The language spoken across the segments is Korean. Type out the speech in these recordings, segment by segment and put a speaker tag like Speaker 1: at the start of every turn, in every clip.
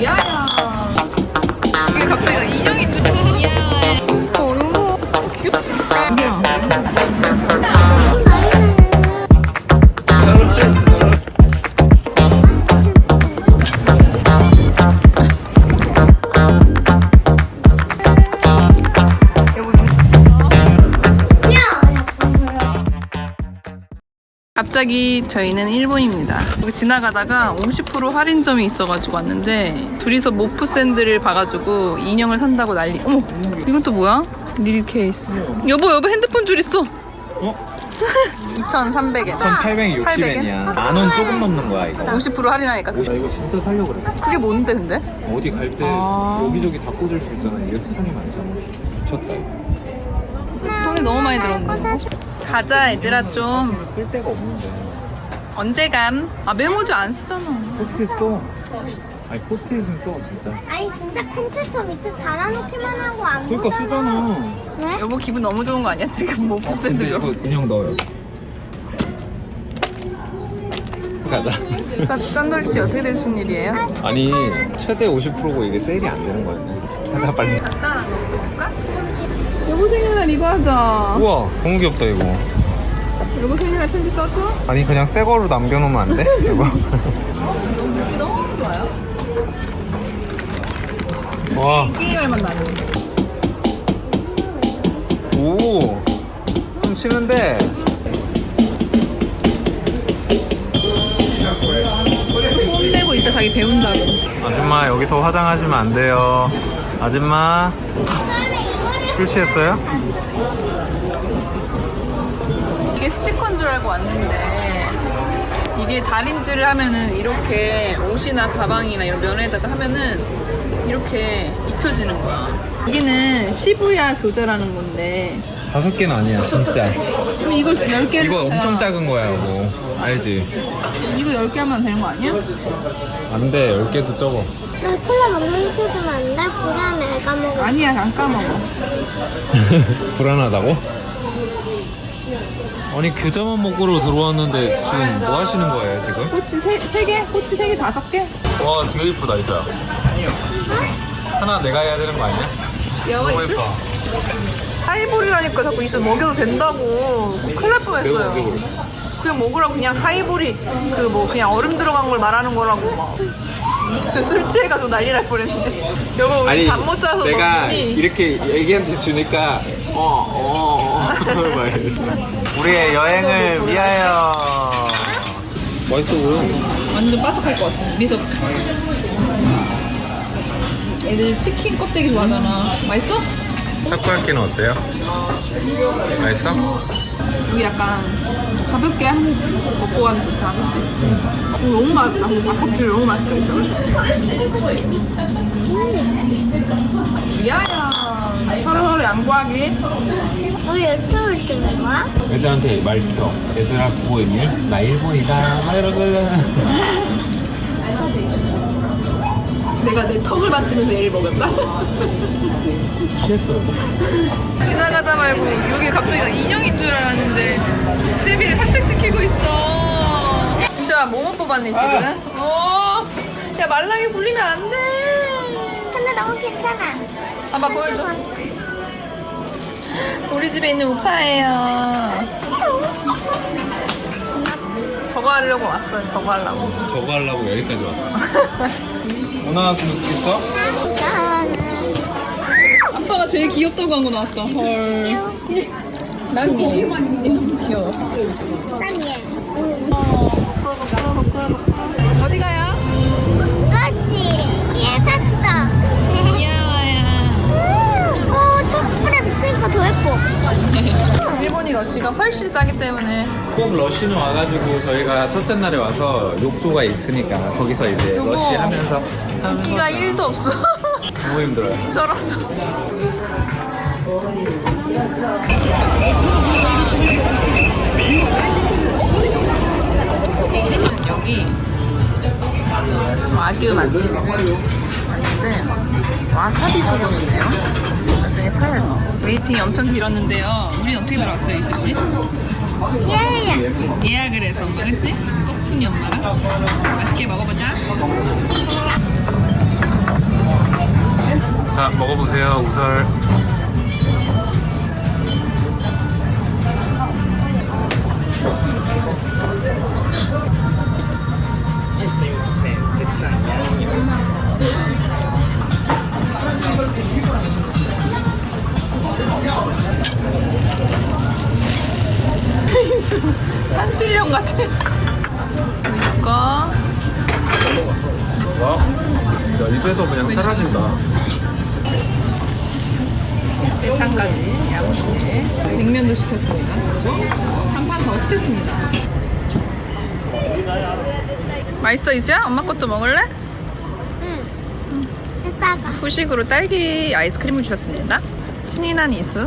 Speaker 1: 야야. 이게 갑자기 인형인 줄. 너무 귀엽다. 야. 갑자기 저희는 일본입니다. 여기 지나가다가 50% 할인점이 있어가지고 왔는데 둘이서 모프 샌들을 봐가지고 인형을 산다고 난리. 어머, 이건 또 뭐야? 닐 케이스. 여보 핸드폰 줄 있어.
Speaker 2: 어?
Speaker 1: 2,300엔.
Speaker 2: 1,860엔이야. 만원 조금 넘는 거야 이거.
Speaker 1: 50% 할인하니까.
Speaker 2: 나 이거 진짜 살려고 그래.
Speaker 1: 그게 뭔데 근데?
Speaker 2: 어디 갈 때 여기저기 다 꽂을 수 있잖아. 이렇게 손이 많잖아. 미쳤다 이거.
Speaker 1: 손이 너무 많이 들었네. 가자 얘들아 좀.
Speaker 2: 쓸 데가 없는데.
Speaker 1: 언제 감? 아 메모지 안 쓰잖아.
Speaker 2: 포스트잇 써. 아니 포스트잇은 써 진짜.
Speaker 3: 아니 진짜 컴퓨터 밑에 달아놓기만 하고 안
Speaker 2: 그러니까
Speaker 3: 보잖아.
Speaker 2: 쓰잖아.
Speaker 3: 왜?
Speaker 1: 여보 기분 너무 좋은 거 아니야 지금 모프
Speaker 2: 근데
Speaker 1: 샌들로.
Speaker 2: 이거 인형 넣어요. 가자.
Speaker 1: 짠돌씨 어떻게 되신 일이에요?
Speaker 2: 아니 최대 50%고 이게 세일이 안 되는 거야. 가자 빨리.
Speaker 1: 갖다 놓을까? 여보 생일날 이거 하자.
Speaker 2: 우와 너무 귀엽다 이거.
Speaker 1: 여보 생일날 편지 써줘?
Speaker 2: 아니 그냥 새 거로 남겨놓으면 안 돼? 이거.
Speaker 1: 너무 느낌 너무 좋아요.
Speaker 2: 와.
Speaker 1: 게임할만 나는.
Speaker 2: 오. 좀 치는데.
Speaker 1: 뽐내고 있다 자기 배운다고.
Speaker 2: 아줌마 여기서 화장하시면 안 돼요. 아줌마 술 취했어요?
Speaker 1: 이게 스티커인 줄 알고 왔는데 이게 다림질을 하면은 이렇게 옷이나 가방이나 이런 면에다가 하면은 이렇게 입혀지는 거야. 여기는 시부야 교자라는 건데
Speaker 2: 5개는 아니야 진짜.
Speaker 1: 그럼 이걸 10개
Speaker 2: 이거 엄청 작은 거야 이거. 알지?
Speaker 1: 이거 10개 하면 되는 거 아니야?
Speaker 2: 안 돼. 10개도 적어.
Speaker 3: 나 콜라 먹는 거 주면 안 돼? 불안해. 까먹어.
Speaker 1: 아니야 안 까먹어.
Speaker 2: 불안하다고? 아니 교자만 먹으러 들어왔는데 지금 뭐 하시는 거예요 지금?
Speaker 1: 꼬치 3개? 꼬치 3개 5개?
Speaker 2: 와 되게 이쁘다 이사야. 하나 내가 해야 되는 거 아니야?
Speaker 1: 여가
Speaker 2: 너무
Speaker 1: 있어?
Speaker 2: 예뻐.
Speaker 1: 하이볼이라니까 자꾸 있어 먹여도 된다고. 큰일 날 뻔했어요. 그냥 먹으라고. 그냥 하이볼이 그 뭐 그냥 얼음 들어간 걸 말하는 거라고 막 진짜 술 취해가지고 난리 날 뻔했는데. 여보 우리 잠 못 자서
Speaker 2: 내가
Speaker 1: 눈이
Speaker 2: 이렇게 애기한테 주니까 우리의 여행을 위하여. 맛있어 보여.
Speaker 1: 완전 바삭할 것 같아. 미소. 애들 치킨 껍데기 좋아하잖아. 맛있어?
Speaker 2: 타코야끼는 어때요? 맛있어?
Speaker 1: 여기 약간 가볍게 한 먹고 가면 좋다, 그치? 너무 맛있다. 바삭해 너무 맛있어. 미안해요. 서로 양보하기.
Speaker 3: 우리 유튜브 찍는 거야?
Speaker 2: 애들한테 말 시켜. 얘들아 보고 있니? 나 일본이다. 막 이러고.
Speaker 1: 내가 내 턱을 받치면서 얘를 먹였다?
Speaker 2: 취했어.
Speaker 1: 지나가다 말고 여기 갑자기 인형인 줄 알았는데 제비를 산책시키고 있어. 진짜 뭐뭐 뽑았니 지금? 오, 야 말랑이 굴리면 안 돼.
Speaker 3: 근데 너무 괜찮아.
Speaker 1: 한번 보여줘. 우리 집에 있는 우파예요. 저거 하려고 왔어요. 저거 하려고.
Speaker 2: 저거 하려고 여기까지 왔어. 뭐 나왔으면 좋겠어?
Speaker 1: 아빠가 제일 귀엽다고 한 거 나왔다. 헐. 난 얘. 얘 너무 귀여워.
Speaker 3: 난 얘.
Speaker 1: 어디 가요?
Speaker 3: 러시. 얘 샀어.
Speaker 1: 귀여워요.
Speaker 3: 오, 촛불에 비치니까 더 예뻐.
Speaker 1: 일본이 러시가 훨씬 싸기 때문에
Speaker 2: 꼭 러시는 와가지고 저희가 첫째 날에 와서 욕조가 있으니까 거기서 이제
Speaker 1: 요거
Speaker 2: 러시 하면서
Speaker 1: 붓기가 1도 없어.
Speaker 2: 너무 힘들어요.
Speaker 1: 쩔었어. 여기 와규 맛집에 왔는데 와사비 소금 있네요. 나중에 사야지. 웨이팅이 엄청 길었는데요. 우린 어떻게 들어왔어요, 이수씨?
Speaker 3: 예.
Speaker 1: 예약을 해서 엄마, 그치? 똑순이 엄마랑 맛있게 먹어보자.
Speaker 2: 먹어보세요, 우설.
Speaker 1: 산신령 같아. 보여줄까?
Speaker 2: 와, 야, 입에서 그냥 사라진다.
Speaker 1: 대창까지 야무지게. 냉면도 시켰습니다. 그리고 한 판 더 시켰습니다. 맛있어 이수야? 엄마 것도 먹을래?
Speaker 3: 응. 이따가.
Speaker 1: 후식으로 딸기 아이스크림을 주셨습니다. 신이 난 이수.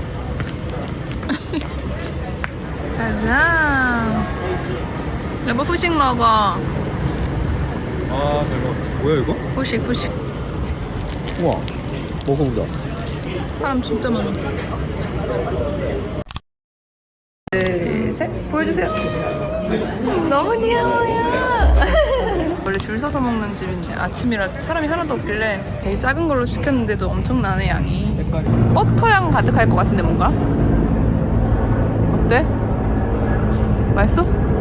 Speaker 1: 가자. 여보 후식 먹어.
Speaker 2: 아, 대박. 뭐야, 이거?
Speaker 1: 후식.
Speaker 2: 우와, 먹어보자.
Speaker 1: 사람 진짜 많아. 둘, 셋. 보여주세요. 너무 귀여워요. 원래 줄 서서 먹는 집인데 아침이라 사람이 하나도 없길래 되게 작은 걸로 시켰는데도 엄청나네 양이. 버터향 가득할 것 같은데 뭔가? 어때? 맛있어?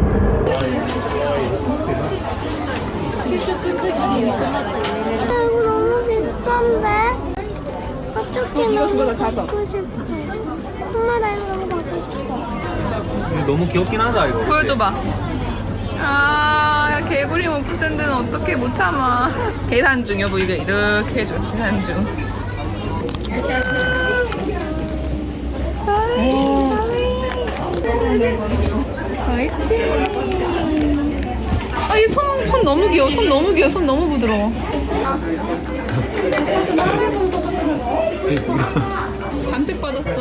Speaker 3: 이거 너무 비싼데? 어떻게
Speaker 1: 이거 다 사서.
Speaker 3: 먹고 싶어. 엄마 나 이거 너무 먹고 싶어.
Speaker 2: 너무 귀엽긴 하다, 이거.
Speaker 1: 보여줘봐. 아, 야, 개구리 모프샌드는 어떻게 못 참아. 계산 중, 여보, 이거 이렇게 해줘. 계산 중. 화이팅. 아, 이 손 너무 귀여워. 손 너무 부드러워. 간택 받았어.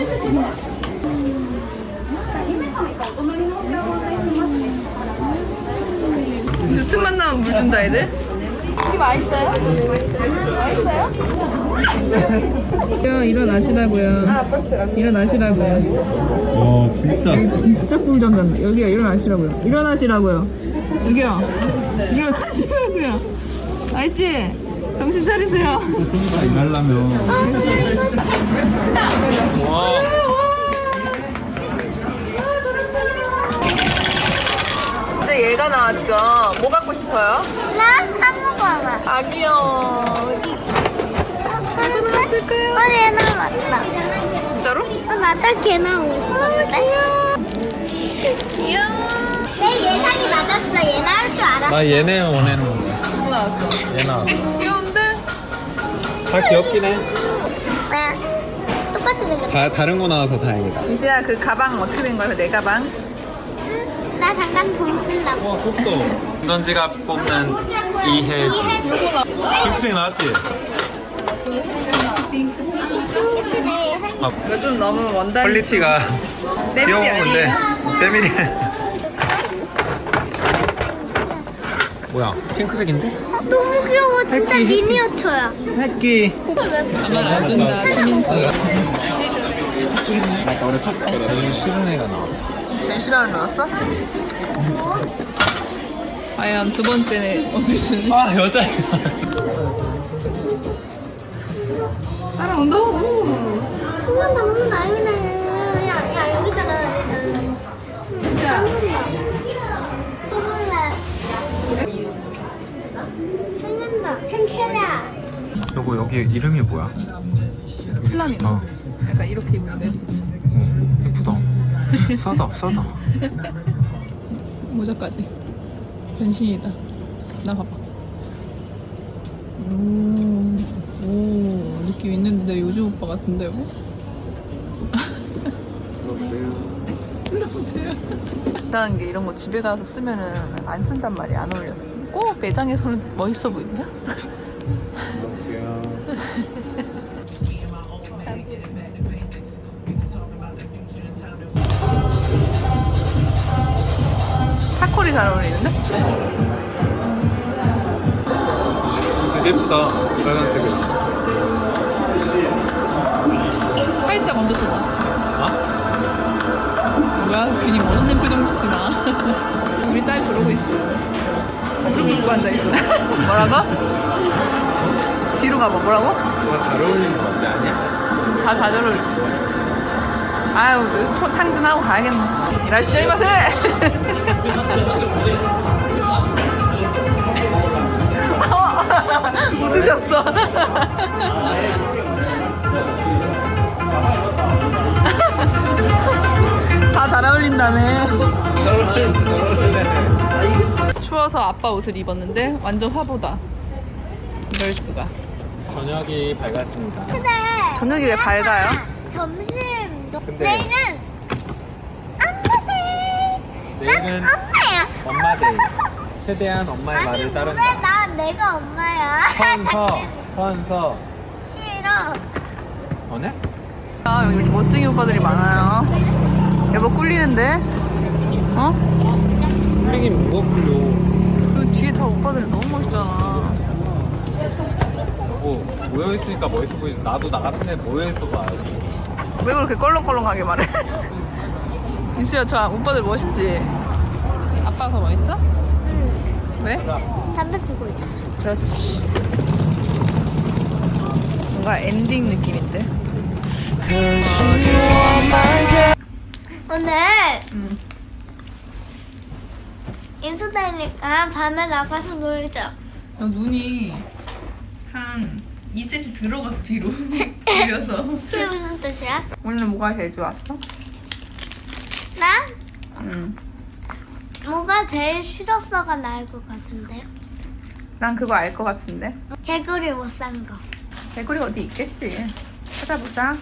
Speaker 1: 근데 틈만 나면 물 준다 애들. 이게 맛있어요? 맛있어요? 야 일어나시라고요. 일어나시라고요.
Speaker 2: 와, 진짜.
Speaker 1: 여기 진짜 꿀잠 잔다. 여기야 일어나시라고요. 일어나시라고요. 여기요. 일어나시라고요. 아저씨 정신 차리세요.
Speaker 2: 일하려면. 와.
Speaker 1: 이제 얘가 나왔죠. 뭐 갖고 싶어요?
Speaker 3: 나 한국어 봐.
Speaker 1: 아 귀여워. 어디 나왔을까요?
Speaker 3: 얘 나왔다.
Speaker 1: 진짜로?
Speaker 3: 나딱 걔 나오고 싶었는데.
Speaker 1: 귀여워.
Speaker 3: 내 예상이 맞았어. 얘 나올 줄 알았어.
Speaker 2: 나 얘네 원하는 거야.
Speaker 1: 누구 나왔어?
Speaker 2: 얘 나왔어.
Speaker 1: 귀여운데?
Speaker 2: 다 귀엽긴 해.
Speaker 3: 왜? 똑같이 생겼어.
Speaker 2: 다른 거 나와서 다행이다.
Speaker 1: 미시야 그 가방 어떻게 된 거야? 내 가방?
Speaker 3: 응? 나 잠깐 돈 쓰려고.
Speaker 2: 와, 컸어. 운전지갑 뽑는 이혜지. 핑크색 나왔지?
Speaker 3: 혹시 내 예상이
Speaker 1: 이거 좀 너무 원단.
Speaker 2: 퀄리티가
Speaker 1: 때밀이
Speaker 2: 귀여운 건데
Speaker 1: 아니에요.
Speaker 2: 때밀이. 뭐야, 핑크색인데?
Speaker 3: 너무 귀여워. 진짜
Speaker 2: 새끼, 새끼.
Speaker 3: 미니어처야.
Speaker 2: 새끼.
Speaker 1: 가만 안 둔다 최민수.
Speaker 2: 제일 싫은 애가 나왔어.
Speaker 1: 제일 싫어하는 나왔어? 과연 두 번째 어디슨
Speaker 2: 아, 여자애.
Speaker 1: 따라온다?
Speaker 3: 엄마 너무 나이네. 야 여기잖아.
Speaker 1: 야.
Speaker 3: 생채야.
Speaker 2: 여보, 여기 이름이 뭐야? 여기
Speaker 1: 플라밍고.
Speaker 2: 좋다.
Speaker 1: 약간 이렇게 입는데
Speaker 2: 예쁘다. 싸다.
Speaker 1: 모자까지 변신이다. 나 봐봐. 오 느낌 있는데 요즘 오빠 같은데 뭐? 불러보세요. 이상한 게 이런 거 집에 가서 쓰면은 안 쓴단 말이야. 안 어울려. 꼭 매장에서는 멋있어 보인다. 차콜이 잘 어울리는데?
Speaker 2: 되게 예쁘다. 빨간색이.
Speaker 1: 살짝 얹어서 봐.
Speaker 2: 어?
Speaker 1: 뭐야? 괜히 멋있는 표정 짓지 마. 우리 딸 저러고 있어. 무릎 꿇고 앉아있어. 뭐라고? 뒤로 그런가 봐. 뭐라고?
Speaker 2: 이거 잘 어울리는 거 같지 않냐?
Speaker 1: 잘 어울렸어. 아유, 여기서 탕진하고 가야겠네. 이라시오이 마세! 웃으셨어. 다 잘 어울린다며. 추워서 아빠 옷을 입었는데 완전 화보다. 이럴 수가.
Speaker 2: 저녁이 밝았습니다.
Speaker 3: 근데
Speaker 1: 저녁이 왜 밝아요?
Speaker 3: 점심
Speaker 2: 근데-
Speaker 3: 내일은 엄마들.
Speaker 2: 내일은
Speaker 3: 난 엄마야.
Speaker 2: 엄마데이. 최대한 엄마의
Speaker 3: 아니
Speaker 2: 말을
Speaker 3: 왜
Speaker 2: 따른다.
Speaker 3: 난 내가 엄마야?
Speaker 2: 선서.
Speaker 3: 싫어.
Speaker 2: 어네?
Speaker 1: 아, 여기 이렇게 멋쟁이 오빠들이 많아요. 여보 꿀리는데? 어?
Speaker 2: 꿀리긴 뭐가 꿀려.
Speaker 1: 그 뒤에 다 오빠들이 너무 멋있잖아.
Speaker 2: 뭐 모여있으니까 멋있어 보이지. 나도 나 같은 애 모여있어 봐야지.
Speaker 1: 왜 그렇게 껄렁껄렁하게 말해? 인수야, 저 오빠들 멋있지? 아빠가 더 멋있어?
Speaker 3: 응.
Speaker 1: 왜?
Speaker 3: 담배 피고 있잖아.
Speaker 1: 그렇지. 뭔가 엔딩 느낌인데?
Speaker 3: 오늘
Speaker 1: 응.
Speaker 3: 인수다니까 밤에 나가서 놀자.
Speaker 1: 너 눈이 한 2cm 들어가서 뒤로 밀려서.
Speaker 3: 그게 무슨 뜻이야?
Speaker 1: 오늘 뭐가 제일 좋았어?
Speaker 3: 나?
Speaker 1: 응.
Speaker 3: 뭐가 제일 싫었어가 나을 것 같은데.
Speaker 1: 난 그거 알 것 같은데?
Speaker 3: 개구리 못 산 거.
Speaker 1: 개구리 어디 있겠지? 찾아보자.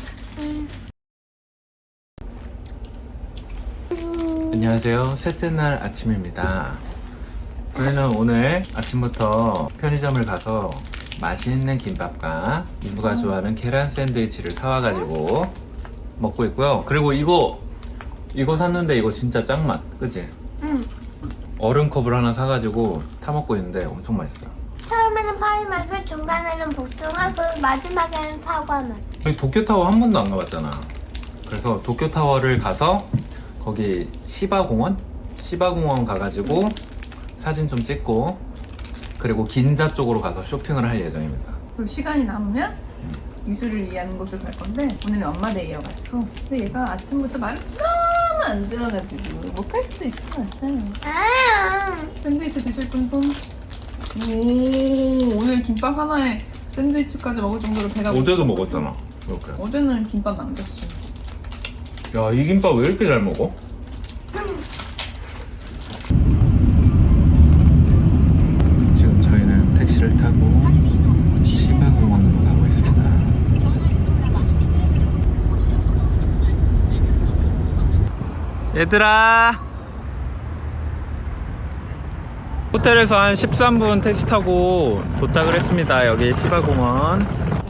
Speaker 2: 안녕하세요. 셋째 날 아침입니다. 저희는 오늘 아침부터 편의점을 가서 맛있는 김밥과 이브가 좋아하는 계란 샌드위치를 사와가지고 먹고 있고요. 그리고 이거 샀는데 이거 진짜 짱맛, 그치?
Speaker 3: 응.
Speaker 2: 얼음컵을 하나 사가지고 타먹고 있는데 엄청 맛있어요.
Speaker 3: 처음에는 파인애플, 중간에는 복숭아, 그 마지막에는 사과맛.
Speaker 2: 저희 도쿄타워 한 번도 안 가봤잖아. 그래서 도쿄타워를 가서 거기 시바공원 가가지고 사진 좀 찍고 그리고 긴자 쪽으로 가서 쇼핑을 할 예정입니다.
Speaker 1: 그리고 시간이 남으면 이수를 위한 곳을 갈 건데 오늘은 엄마데이여가지고 근데 얘가 아침부터 말을 너무 안 들어가지고 못 갈 수도 있을 것 같아.
Speaker 3: 아,
Speaker 1: 샌드위치 드실 분 손? 오, 오늘 김밥 하나에 샌드위치까지 먹을 정도로 배가
Speaker 2: 어제도
Speaker 1: 고팠거든.
Speaker 2: 먹었잖아. 이렇게.
Speaker 1: 어제는 김밥 남겼지.
Speaker 2: 야, 이 김밥 왜 이렇게 잘 먹어? 지금 저희는 택시를 타고 시바공원으로 가고 있습니다. 얘들아, 호텔에서 한 13분 택시 타고 도착을 했습니다. 여기 시바공원.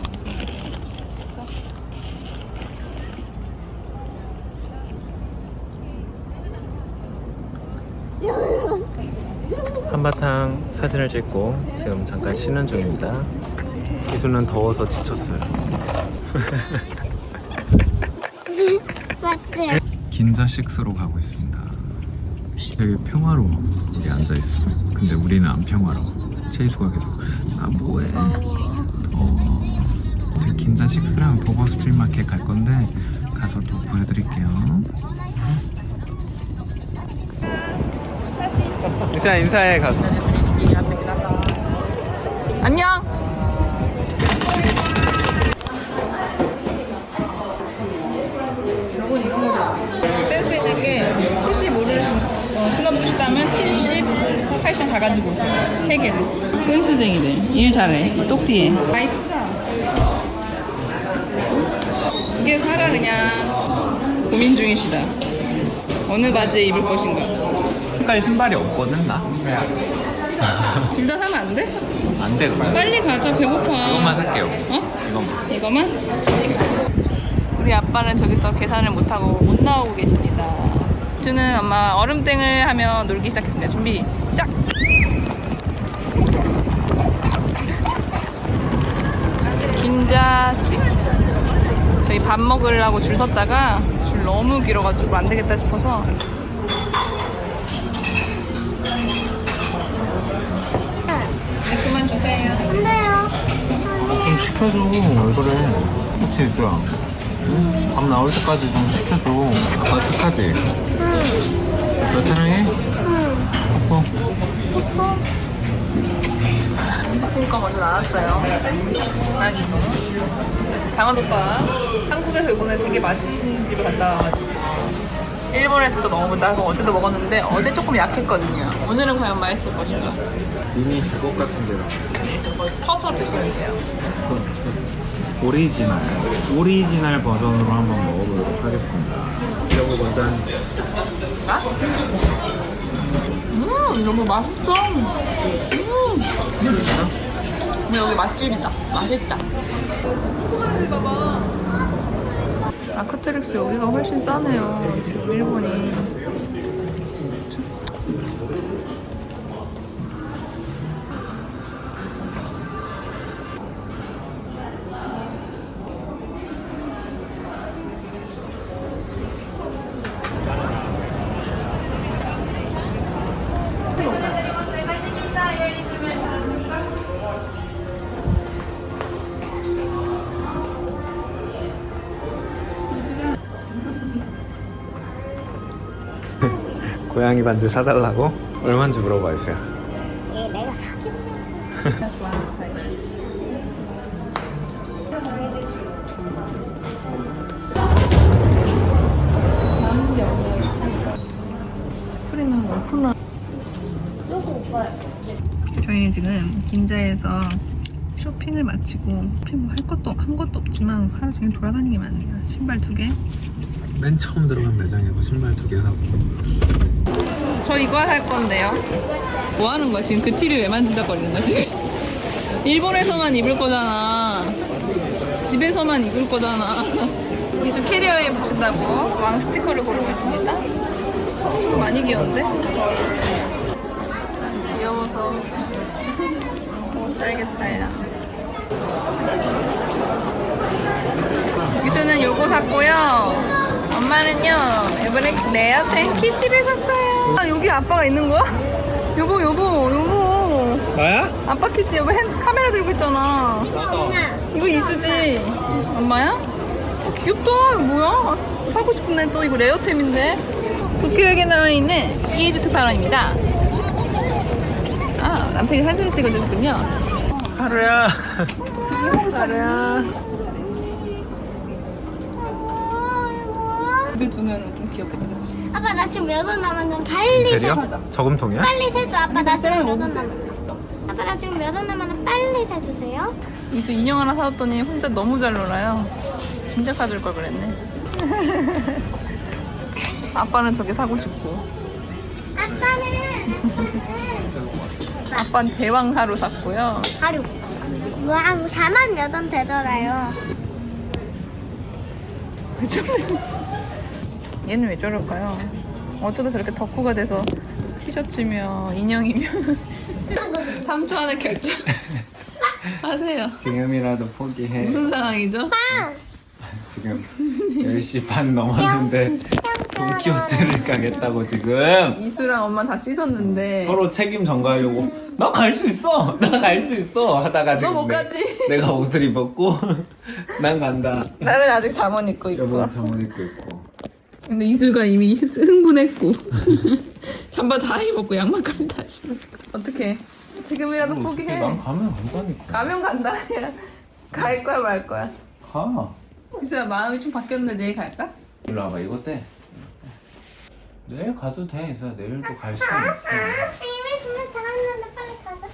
Speaker 2: 한바탕 사진을 찍고 지금 잠깐 쉬는 중입니다. 기수는 더워서 지쳤어요.
Speaker 3: 맞지?
Speaker 2: 긴자 식스로 가고 있습니다. 되게 평화로워. 여기 앉아있어. 근데 우리는 안 평화로워. 체이수가 계속 아 뭐해 긴자 식스랑 도버 스트리트 마켓 갈 건데 가서 또 보여드릴게요. 일단 인사해 가서.
Speaker 1: 안녕. 여러분 이런 거죠. 센스 있는 게 75를 신어보고 싶다면 70, 80 가가지고 오세요. 3개로. 센스쟁이들. 일 잘해. 똑띠해. 아 이쁘다. 이게 사라 그냥 고민 중이시다. 어느 바지에 입을 것인가.
Speaker 2: 색깔 신발이 없거든 나.
Speaker 1: 둘 다 사면 안 돼?
Speaker 2: 안 돼 그래.
Speaker 1: 빨리 가자. 배고파.
Speaker 2: 이것만 살게요.
Speaker 1: 어?
Speaker 2: 이것만.
Speaker 1: 이거만? 우리 아빠는 저기서 계산을 못하고 못 나오고 계십니다. 주는 엄마 얼음땡을 하며 놀기 시작했습니다. 준비 시작! 긴자 6. 저희 밥 먹으려고 줄 섰다가 줄 너무 길어가지고 안 되겠다 싶어서 네, 그만 주세요.
Speaker 3: 안 돼요.
Speaker 2: 좀 시켜줘. 왜 그래? 그치, 유주야? 응? 밥 나올 때까지 좀 시켜줘. 아빠 착하지?
Speaker 3: 응.
Speaker 2: 너 사랑해?
Speaker 3: 응.
Speaker 2: 뽀뽀.
Speaker 1: 이수진 거 먼저 나왔어요. 장원 오빠 한국에서 이번에 되게 맛있는 집을 갔다 와가지고 일본에서도 먹어보자 하고 어제도 먹었는데 어제 조금 약했거든요. 오늘은 과연 맛있을 것인가?
Speaker 2: 미니 주걱 같은 데랑
Speaker 1: 터서 드시면 돼요.
Speaker 2: 오리지널 버전으로 한번 먹어보도록 하겠습니다. 여보 먼저 한
Speaker 1: 아? 너무 맛있어. 근데 여기 맛집이다. 맛있다. 궁금한 애들 봐봐. 아크트릭스 여기가 훨씬 싸네요. 일본이.
Speaker 2: 고양이 반지 사달라고? 얼마인지 물어봐 주세요.
Speaker 3: 얘 내가 사긴
Speaker 1: 프리는 오픈런. 저희는 지금 긴자에서 쇼핑을 마치고 쇼핑 뭐 한 것도 없지만 하루 종일 돌아다니기만 해요. 신발 2개.
Speaker 2: 맨 처음 들어간 매장에서 신발 2개 사고.
Speaker 1: 저 이거 살 건데요. 뭐 하는 거야? 지금 그 티를 왜 만지작거리는 거야, 지금? 일본에서만 입을 거잖아. 집에서만 입을 거잖아. 미수 캐리어에 붙인다고 왕 스티커를 고르고 있습니다. 많이 귀여운데? 귀여워서 못 살겠어요. 미수는 요거 샀고요. 엄마는요 이번에 레어템 키티를 샀어요. 아 여기 아빠가 있는 거야? 여보
Speaker 2: 나야?
Speaker 1: 아빠 키티 여보 카메라 들고 있잖아. 이거 이수지 엄마야? 귀엽다. 이거 뭐야? 사고 싶네. 또 이거 레어템인데. 도쿄역에 나와 있는 이에주 특파원입니다. 아 남편이 사진을 찍어주셨군요.
Speaker 2: 하루야.
Speaker 1: 가르야. 입에 두면 좀 귀엽겠다, 그치?
Speaker 3: 아빠 나 지금 몇 원 남았는데 빨리 세줘.
Speaker 2: 대리요? 저금통이야?
Speaker 3: 빨리 세줘. 아빠 나 지금 몇 원 남았는데. 아빠 나 지금 몇 원 남았는데 빨리 세주세요.
Speaker 1: 이수 인형 하나 사줬더니 혼자 너무 잘 놀아요. 진짜 사줄 걸 그랬네. 아빠는 저게 사고 싶고. 아빠는 대왕 하루 샀고요.
Speaker 3: 하루. 와 4만 몇 원 되더라요.
Speaker 1: 왜 저래요? 얘는 왜 저럴까요? 어쩌다 저렇게 덕후가 돼서 티셔츠며 인형이며 3초 안에 결정 하세요.
Speaker 2: 지금이라도 포기해.
Speaker 1: 무슨 상황이죠?
Speaker 2: 지금 10시 반 넘었는데 돈키호테를 가겠다고 지금
Speaker 1: 이수랑 엄마 다 씻었는데
Speaker 2: 서로 책임 전가하려고 나 갈 수 있어 하다가 지금
Speaker 1: 너 못 가지.
Speaker 2: 내가 옷을 입었고 난 간다.
Speaker 1: 나는 아직 잠옷 입고 있고.
Speaker 2: 여보는 잠옷 입고 있고.
Speaker 1: 근데 이수가 이미 흥분했고 잠바 다 입었고 양말까지 다 신었고. 어떡해. 지금이라도 포기해.
Speaker 2: 난 가면 안 가니까.
Speaker 1: 가면 간다. 갈 거야 말 거야.
Speaker 2: 가.
Speaker 1: 이수야 마음이 좀 바뀌었는데 내일 갈까?
Speaker 2: 일로 와봐. 이거 떼. 내일 가도 돼. 이수야 내일도 갈 시간 있어.
Speaker 3: 이미 주문 다 왔는데 빨리 가자.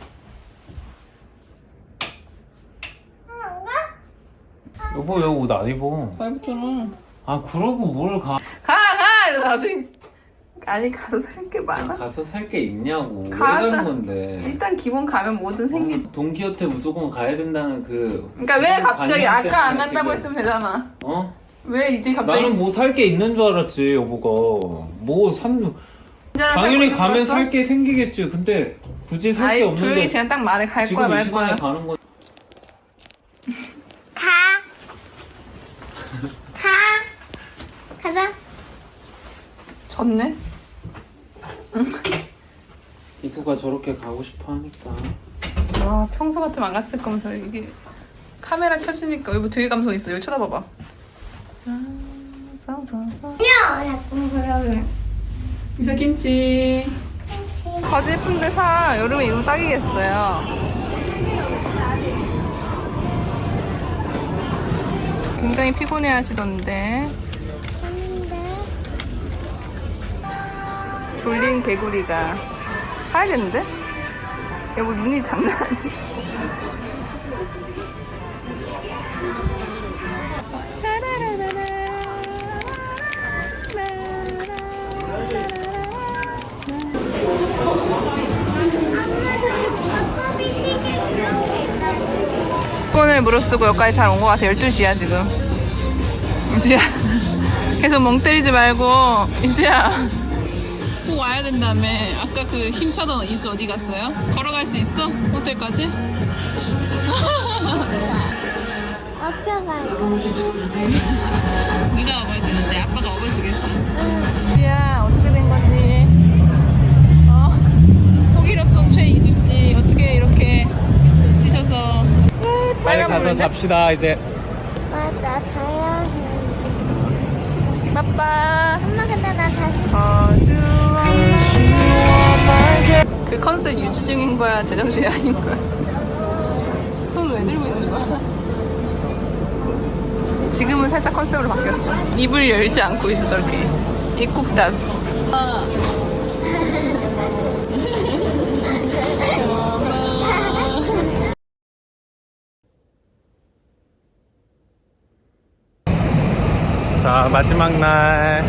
Speaker 3: 안 가?
Speaker 2: 여보 여기 옷 안 입어.
Speaker 1: 다 입었잖아.
Speaker 2: 아 그러고 뭘 가.
Speaker 1: 가! 이러다 나중에 아니 가서 살 게 많아.
Speaker 2: 가서 살 게 있냐고. 왜
Speaker 1: 가자.
Speaker 2: 가는 건데.
Speaker 1: 일단 기본 가면 뭐든 생기지.
Speaker 2: 돈키호테 무조건 가야 된다는 그.
Speaker 1: 그러니까 왜 갑자기
Speaker 2: 관념
Speaker 1: 아까 안
Speaker 2: 때문에
Speaker 1: 간다고
Speaker 2: 지금.
Speaker 1: 했으면 되잖아.
Speaker 2: 어?
Speaker 1: 왜 이제 갑자기
Speaker 2: 나는 뭐 살 게 있는 줄 알았지 여보가. 뭐 산. 당연히 가면 살 게 생기겠지. 근데 굳이 살 게
Speaker 1: 아이 조용히
Speaker 2: 없는데
Speaker 1: 그냥 딱 말해. 갈
Speaker 2: 지금
Speaker 1: 거야
Speaker 2: 이
Speaker 1: 말
Speaker 2: 시간에
Speaker 1: 거야.
Speaker 2: 가는 거.
Speaker 3: 가. 가자.
Speaker 1: 졌네.
Speaker 2: 이구가 저렇게 가고 싶어 하니까.
Speaker 1: 와 평소 같으면 안 갔을 거면서 이게 카메라 켜지니까 여기 되게 감성 있어. 여기 쳐다봐봐.
Speaker 3: 약간 그러면.
Speaker 1: 이사 김치. 바지 예쁜데 사. 여름에 이거 딱이겠어요. 굉장히 피곤해 하시던데. 졸린 개구리가 사야겠는데? 여보 눈이 장난 아니야. 폰을 무릅쓰고 여기까지 잘 온 것 같아. 12시야 지금. 이수야 계속 멍 때리지 말고. 이수야 꼭 와야 된다며. 아까 그 힘차던 이수 어디 갔어요? 걸어갈 수 있어? 호텔까지?
Speaker 3: 업혀가요.
Speaker 1: 네가 업어주는데 아빠가 업어주겠어. 이수야 어떻게 된 거지? 호기롭던 최이수씨 어떻게 이렇게 지치셔서.
Speaker 2: 빨리 가서
Speaker 1: 물인데?
Speaker 2: 잡시다 이제.
Speaker 3: 맞아, 자야 해.
Speaker 1: 빠빠.
Speaker 3: 엄마, 근데 나 다시.
Speaker 1: 그 컨셉 유지 중인 거야? 제정신이 아닌 거야? 손 왜 들고 있는 거야? 지금은 살짝 컨셉으로 바뀌었어. 입을 열지 않고 있어 저렇게. 입국답.
Speaker 2: 자, 마지막 날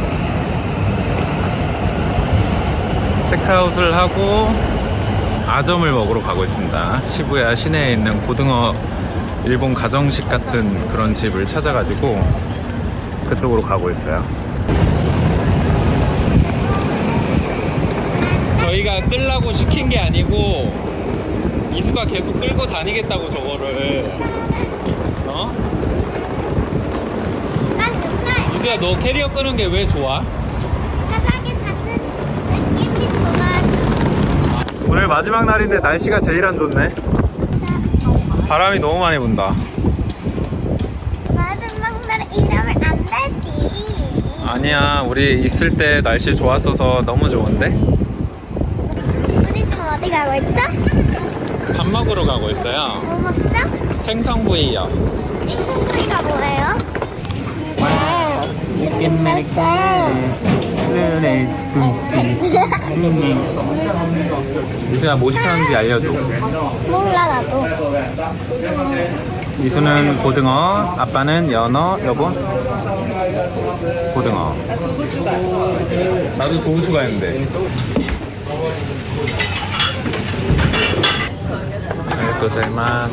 Speaker 2: 체크아웃을 하고 아점을 먹으러 가고 있습니다. 시부야 시내에 있는 고등어 일본 가정식 같은 그런 집을 찾아가지고 그쪽으로 가고 있어요. 저희가 끌라고 시킨 게 아니고 이수가 계속 끌고 다니겠다고 저거를.
Speaker 3: 난 정말
Speaker 2: 이수야 너 캐리어 끄는 게 왜 좋아?
Speaker 3: 바닥에 닿는 느낌이 좋아.
Speaker 2: 오늘 마지막 날인데 날씨가 제일 안 좋네. 바람이 너무 많이 분다.
Speaker 3: 마지막 날에 이러면 안 되지.
Speaker 2: 아니야, 우리 있을 때 날씨 좋았어서 너무 좋은데?
Speaker 3: 우리 지금 어디 가고 있어?
Speaker 2: 밥 먹으러 가고 있어요.
Speaker 3: 뭐 먹죠?
Speaker 2: 생선구이요.
Speaker 3: 이 소리가 뭐예요?
Speaker 2: 이수야 뭐 시켰는지 알려줘.
Speaker 3: 몰라 나도.
Speaker 2: 이수는 고등어, 아빠는 연어, 여보? 고등어.
Speaker 1: 나 두부 추가.
Speaker 2: 나도 두부 추가했는데. 또 잘만.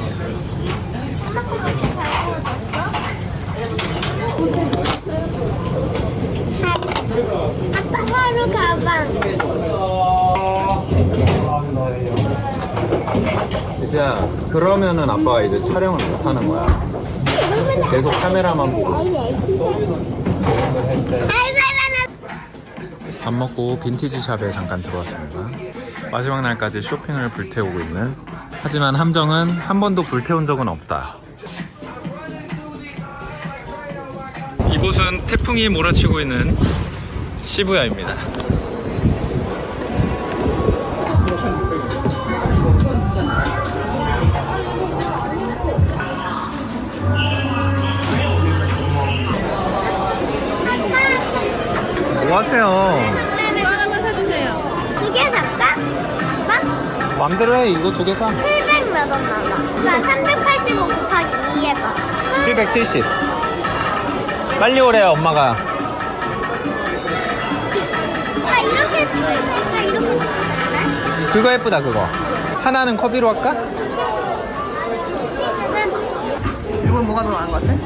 Speaker 3: 아빠 하루 가방.
Speaker 2: 이수야, 그러면은 아빠가 이제 촬영을 못 하는 거야. 계속 카메라만 보고. 밥 먹고 빈티지 샵에 잠깐 들어왔습니다. 마지막 날까지 쇼핑을 불태우고 있는. 하지만 함정은 한 번도 불태운 적은 없다. 이곳은 태풍이 몰아치고 있는 시부야입니다. 뭐 하세요?
Speaker 3: 하나만 사주세요. 두 개 살까? 아빠?
Speaker 2: 맘대로 해. 이거 두 개 사.
Speaker 3: 700 몇 원 나와. 나 385 곱하기 2 해봐.
Speaker 2: 770. 빨리 오래요, 엄마가.
Speaker 3: 아 이렇게 찍을까? 이렇게 찍을까?
Speaker 2: 그거 예쁘다, 그거. 하나는 커비로 할까?
Speaker 1: 이건 뭐가 더 나은 것 같아?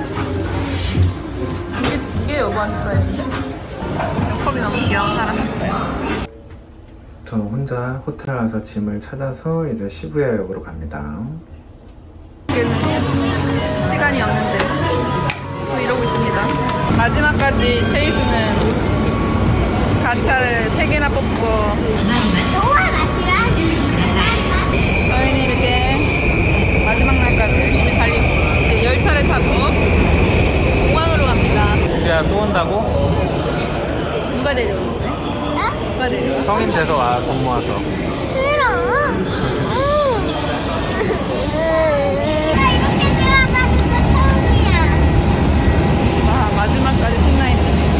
Speaker 1: 이게 여보한테 써야지. 컵이 너무 귀여운 사람 했어요.
Speaker 2: 저는 혼자 호텔 와서 짐을 찾아서 이제 시부야역으로 갑니다.
Speaker 1: 이제는 시간이 없는데 또 이러고 있습니다. 마지막까지 최희수는 가차를 3개나 뽑고
Speaker 3: 너와 마시라.
Speaker 1: 저희는 이렇게 마지막 날까지 열심히 달리고 이제
Speaker 2: 데려온다고?
Speaker 1: 누가 데려오는데? 누가 데려와?
Speaker 2: 성인 돼서 와, 돈 모아서.
Speaker 3: 싫어. 나 이렇게 들어가니까 처음이야.
Speaker 1: 와, 마지막까지 신나 있네.